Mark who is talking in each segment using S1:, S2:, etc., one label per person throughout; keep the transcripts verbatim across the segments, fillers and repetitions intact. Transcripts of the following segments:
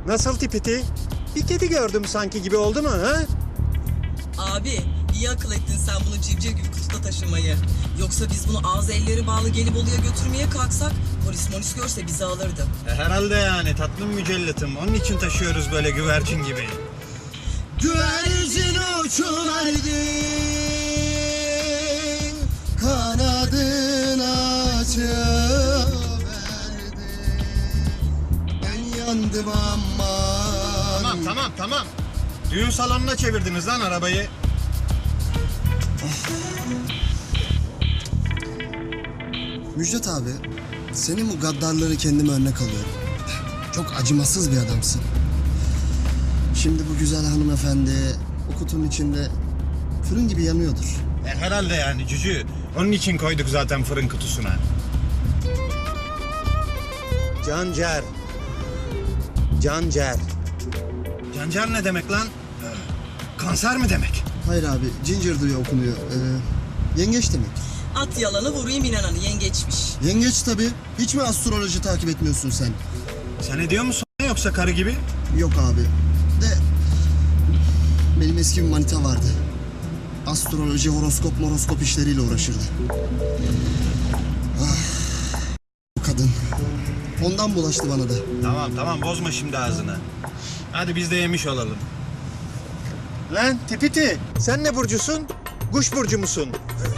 S1: Nasıl tipiti? Bir kedi gördüm sanki gibi oldu mu ha?
S2: Abi iyi akıl ettin sen bunu civciv gibi kutuda taşımayı. Yoksa biz bunu ağzı elleri bağlı gelip Bolu'ya götürmeye kalksak polis molis görse bizi alırdı.
S1: E, herhalde yani tatlım mücelletim. Onun için taşıyoruz böyle güvercin gibi.
S3: Güvercin uçuverdi, kanadını açıverdi. Ben yandım ama.
S1: Tamam tamam tamam. Düğün salonuna çevirdiniz lan arabayı.
S3: Müjdat abi, senin bu gaddarları kendime örnek alıyorum. Çok acımasız bir adamsın. Şimdi bu güzel hanımefendi o kutunun içinde fırın gibi yanıyordur.
S1: E, herhalde yani cücü. Onun için koyduk zaten fırın kutusuna. Cancer. Cancer. Cancer ne demek lan? Ee, kanser mi demek?
S3: Hayır abi, Ginger diye okunuyor. Ee, yengeç demek.
S2: At yalanı vurayım inananı yengeçmiş.
S3: Yengeç tabii. Hiç mi astroloji takip etmiyorsun sen?
S1: Sen ediyor musun yoksa karı gibi?
S3: Yok abi. De benim eski bir manita vardı. Astroloji, horoskop, moroskop işleriyle uğraşırdı. Ah, bu kadın. Ondan bulaştı bana da.
S1: Tamam tamam bozma şimdi ağzını. Hadi biz de yemiş olalım. Lan tipiti sen ne burcusun? Kuş burcu musun?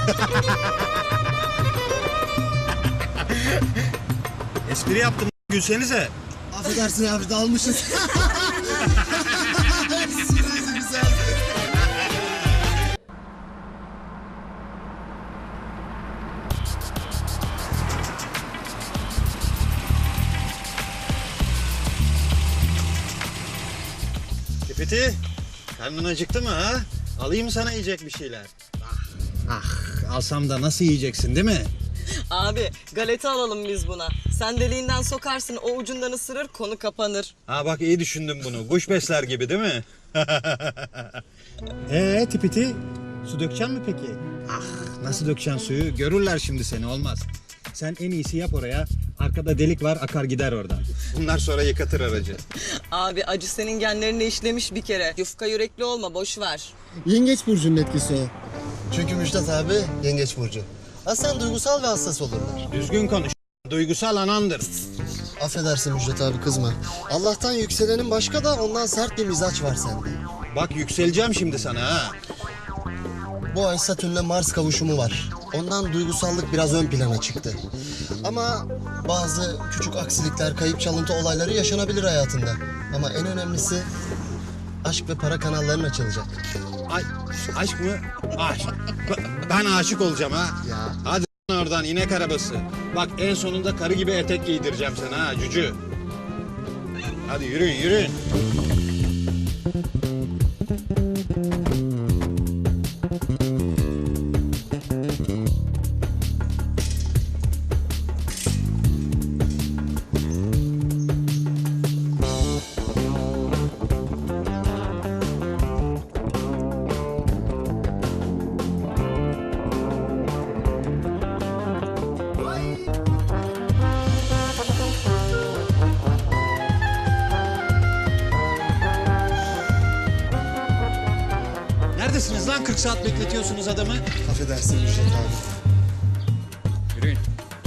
S1: Espri yaptım gülsenize.
S3: Affedersin abi, dalmışız. Güzel.
S1: Tipiti karnın acıktı mı ha? Alayım sana yiyecek bir şeyler. Ah, ah alsam da nasıl yiyeceksin değil mi?
S2: Abi galeta alalım biz buna. Sen deliğinden sokarsın o ucundan ısırır konu kapanır.
S1: Ha bak iyi düşündüm bunu. Kuş besler gibi değil mi? Ee tipiti su dökeceksin mi peki? Ah nasıl dökeceksin suyu? Görürler şimdi seni olmaz. Sen en iyisi yap oraya. Arkada delik var akar gider oradan. Bunlar sonra yıkatır aracı.
S2: Abi acı senin genlerine işlemiş bir kere. Yufka yürekli olma boş ver.
S3: Yengeç burcunun etkisi o. Çünkü Müjdat abi yengeç burcu. Aslen duygusal ve hassas olurlar.
S1: Düzgün konuş. Duygusal anandır.
S3: Affedersin Müjdat abi, kızma. Allah'tan yükselenin başka da ondan sert bir mizaç var sende.
S1: Bak yükseleceğim şimdi sana ha.
S3: Bu ay Satürn'le Mars kavuşumu var. Ondan duygusallık biraz ön plana çıktı. Ama bazı küçük aksilikler, kayıp çalıntı olayları yaşanabilir hayatında. Ama en önemlisi aşk ve para kanalların açılacak.
S1: Ay, aşk mı? Aşk. Ben aşık olacağım ha.
S3: Ya.
S1: Hadi oradan inek arabası. Bak en sonunda karı gibi etek giydireceğim sana ha cücü. Hadi yürüyün yürüyün. Neredesiniz lan? kırk saat bekletiyorsunuz adamı.
S3: Affedersin Müjdat abi.
S1: Yürüyün.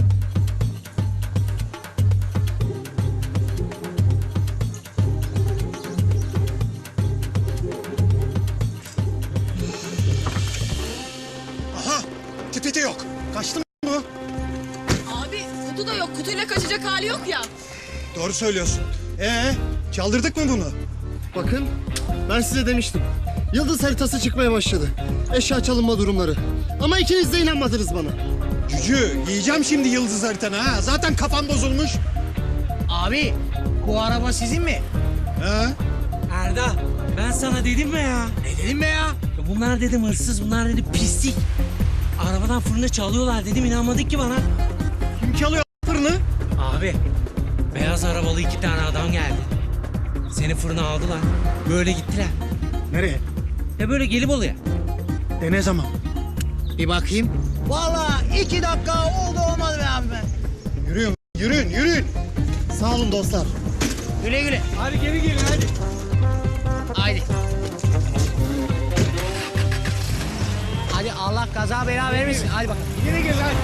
S1: Aha! Tipiti yok. Kaçtı mı bu?
S4: Abi kutu da yok. Kutuyla kaçacak hali yok ya.
S1: Doğru söylüyorsun. Ee, çaldırdık mı bunu?
S3: Bakın, ben size demiştim. Yıldız haritası çıkmaya başladı. Eşya çalınma durumları. Ama ikiniz de inanmadınız bana.
S1: Cücü, yiyeceğim şimdi yıldız haritanı ha. Zaten kafam bozulmuş.
S5: Abi bu araba sizin mi?
S1: Ha?
S5: Erda ben sana dedim mi ya? Ne dedim be ya? Ya bunlar dedim hırsız, bunlar dedim pislik. Arabadan fırını çalıyorlar dedim, inanmadık ki bana.
S1: Kim çalıyor fırını?
S5: Abi beyaz arabalı iki tane adam geldi. Seni fırına aldılar. Böyle gittiler.
S1: Nereye?
S5: Ya böyle gelip oluyor.
S1: E ne zaman?
S5: Bir bakayım. Vallahi iki dakika oldu olmadı be abi.
S1: Yürüyün, yürüyün, yürüyün.
S3: Sağ olun dostlar.
S5: Güle güle. Hadi geri gelin hadi. Haydi. Hadi Allah kaza bela vermesin. Hadi bakalım. Geri gelin hadi.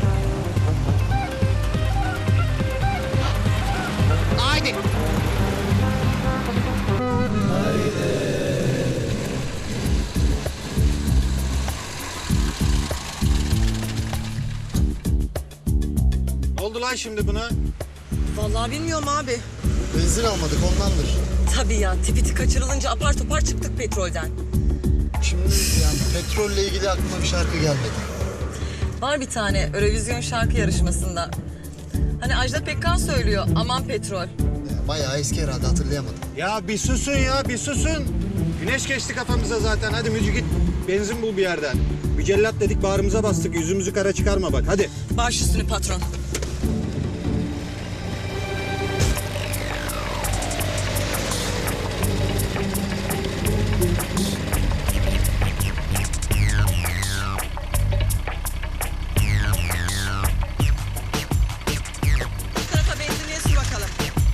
S5: Haydi.
S1: Ne oldu lan şimdi buna?
S2: Vallahi bilmiyorum abi.
S3: Benzin almadık ondandır.
S2: Tabii ya, tipiti kaçırılınca apar topar çıktık petrolden.
S3: Şimdi yani petrolle ilgili aklıma bir şarkı gelmedi.
S2: Var bir tane Eurovision şarkı yarışmasında. Hani Ajda Pekkan söylüyor, aman petrol.
S3: Ya, bayağı eski herhalde hatırlayamadım.
S1: Ya bir susun ya bir susun. Güneş geçti kafamıza zaten. Hadi Mücü git benzin bul bir yerden. Mücellat dedik bağrımıza bastık. Yüzümüzü kara çıkarma bak hadi.
S2: Baş üstüne patron. Bu tarafa benzinliğe sür bakalım.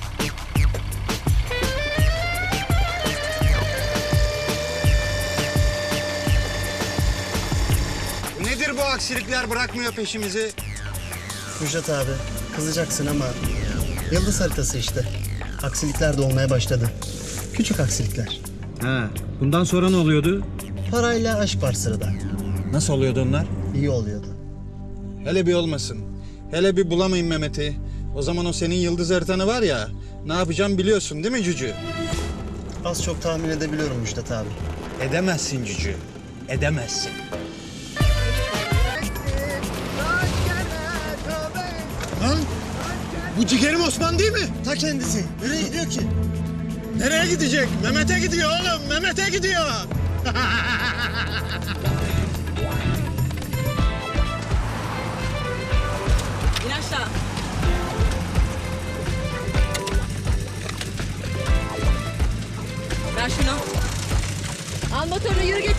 S1: Nedir bu aksilikler bırakmıyor peşimizi?
S3: Müjdat abi kızacaksın ama yıldız haritası işte. Aksilikler de olmaya başladı. Küçük aksilikler.
S1: Ha, bundan sonra ne oluyordu?
S3: Parayla aşk var sırada.
S1: Nasıl oluyordu onlar?
S3: İyi oluyordu.
S1: Hele bir olmasın. Hele bir bulamayın Mehmet'i. O zaman o senin yıldız haritanı var ya, ne yapacağım biliyorsun değil mi Cücü?
S3: Az çok tahmin edebiliyorum Müjdat abi.
S1: Edemezsin Cücü. Edemezsin. Lan bu ciğerim Osman değil mi?
S3: Ta kendisi. Nereye gidiyor ki?
S1: Nereye gidecek? Mehmet'e gidiyor oğlum. Mehmet'e gidiyor.
S2: İn aşağı. Ver şunu.
S4: Al motorunu yürü git.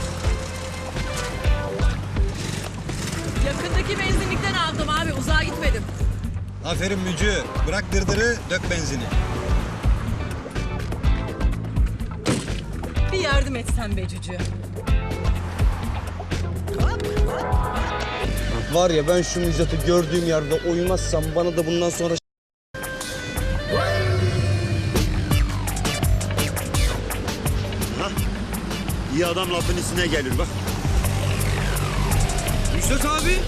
S4: Yakındaki benzinlikten aldım abi. Uzağa gitmedim.
S1: Aferin Mücü. Bırak dırdırı, dök benzini.
S2: Bir yardım etsen be Cücü.
S6: Var ya ben şu Müjdat'ı gördüğüm yerde oymazsam bana da bundan sonra
S7: İyi adam lafın üstüne gelir bak.
S6: Müjdat abi.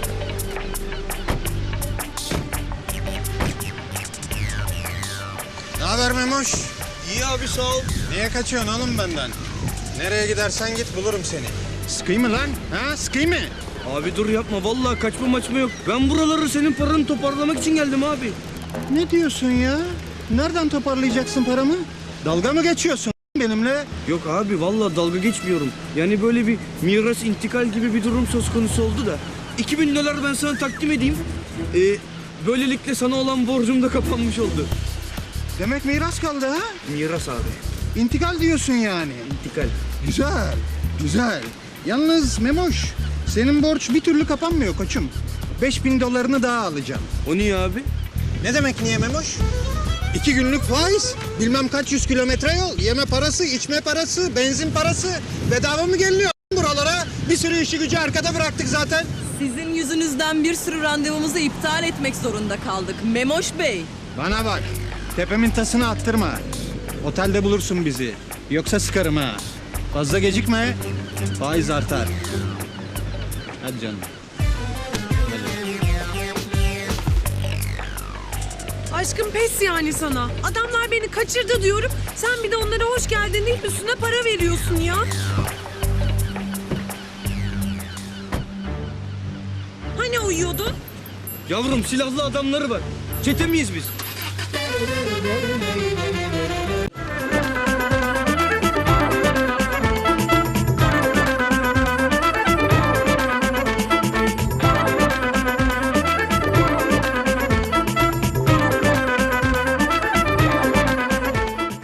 S1: Ne haber Memoş?
S6: İyi abi sağ ol.
S1: Niye kaçıyorsun oğlum benden? Nereye gidersen git bulurum seni. Sıkıyım mı lan? Ha sıkıyım mı?
S6: Abi dur yapma vallahi kaçma maçma yok. Ben buraları senin paranı toparlamak için geldim abi.
S1: Ne diyorsun ya? Nereden toparlayacaksın paramı? Dalga mı geçiyorsun benimle?
S6: Yok abi vallahi dalga geçmiyorum. Yani böyle bir miras intikal gibi bir durum söz konusu oldu da. iki bin dolar ben sana takdim edeyim. Ee, böylelikle sana olan borcum da kapanmış oldu.
S1: Demek miras kaldı ha?
S6: Miras abi.
S1: İntikal diyorsun yani.
S6: İntikal.
S1: Güzel, güzel. Yalnız Memoş, senin borç bir türlü kapanmıyor koçum. Beş bin dolarını daha alacağım.
S6: O niye abi?
S1: Ne demek niye Memoş? İki günlük faiz, bilmem kaç yüz kilometre yol, yeme parası, içme parası, benzin parası. Bedava mı geliniyor buralara? Bir sürü işi gücü arkada bıraktık zaten.
S2: Sizin yüzünüzden bir sürü randevumuzu iptal etmek zorunda kaldık. Memoş Bey.
S1: Bana bak, tepemin tasını attırma. Otelde bulursun bizi. Yoksa sıkarım ha. Fazla gecikme, faiz artar. Hadi canım.
S4: Aşkım pes yani sana. Adamlar beni kaçırdı diyorum. Sen bir de onlara hoş geldin deyip üstüne para veriyorsun ya. Hani uyuyordun?
S6: Yavrum silahlı adamları var. Çete miyiz biz?